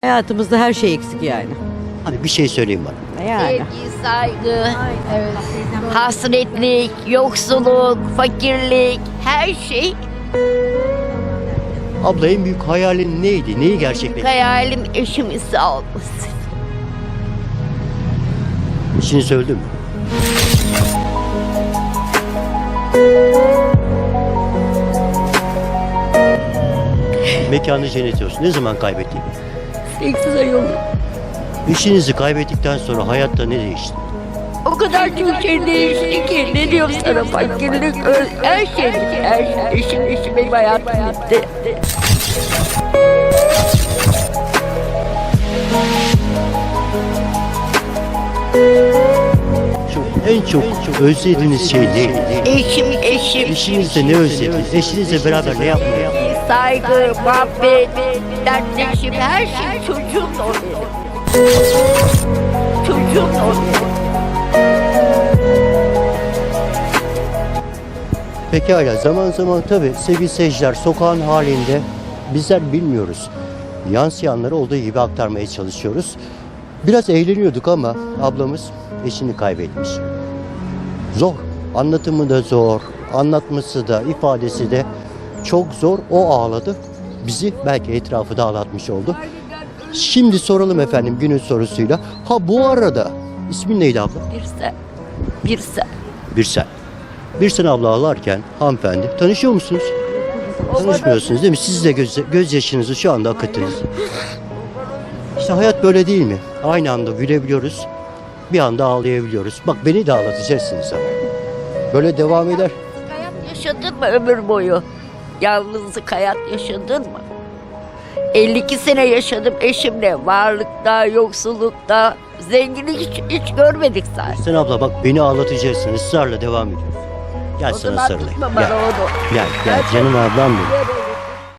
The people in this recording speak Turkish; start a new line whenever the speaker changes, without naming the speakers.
Hayatımızda her şey eksik yani.
Hadi bir şey söyleyeyim bana.
Yani.
Sevgi, saygı, hasretlik, yoksulluk, fakirlik, her şey.
Abla en büyük hayalin neydi? Neyi gerçekleştirdin?
Hayalim eşimin sağ olması.
İşini söyledin mi? Mekanı cennet olsun. Ne zaman kaybettin?
8 ay oldu.
İşinizi kaybettikten sonra hayatta ne değişti?
O kadar çok şey değişti ki. Ne diyorum sana, fakirlik, her şey. Her şey. Eşim benim hayatım bitti.
En çok özlediğiniz şey neydi?
Eşim.
Eşinizle ne özlediniz? Eşinizle beraber ne yapmayı?
Saygı, muhabbet, dertleşim, her şey. Çocuğum da o benim. Çocuğum da o benim.
Pekala, zaman zaman tabii sevgili seyirciler, sokağın halinde bizler bilmiyoruz. Yansıyanları olduğu gibi aktarmaya çalışıyoruz. Biraz eğleniyorduk ama ablamız eşini kaybetmiş. Zor. Anlatımı da zor. Anlatması da, ifadesi de çok zor. O ağladı. Bizi belki etrafı da ağlatmış oldu. Şimdi soralım efendim günün sorusuyla. Ha bu arada ismin neydi abla?
Birsen.
Birsel. Birsel abla ağlarken hanımefendi tanışıyor musunuz? Tanışmıyorsunuz değil mi? Siz de gözyaşınızı şu anda akıttınız. İşte hayat böyle değil mi? Aynı anda gülebiliyoruz, bir anda ağlayabiliyoruz. Bak beni de ağlatacaksınız ama. Böyle devam eder.
Hayat yaşadın mı ömür boyu? Yalnızlık hayat yaşadın mı? 52 sene yaşadım eşimle. Varlıkta, yoksullukta, zenginlik hiç görmedik zaten.
Sen abla bak beni ağlatacaksın. Israrla devam ediyor. Gel
O
sana
zaman
sarılayım.
tutma bana
Gel.
onu.
Gel canım ablam benim.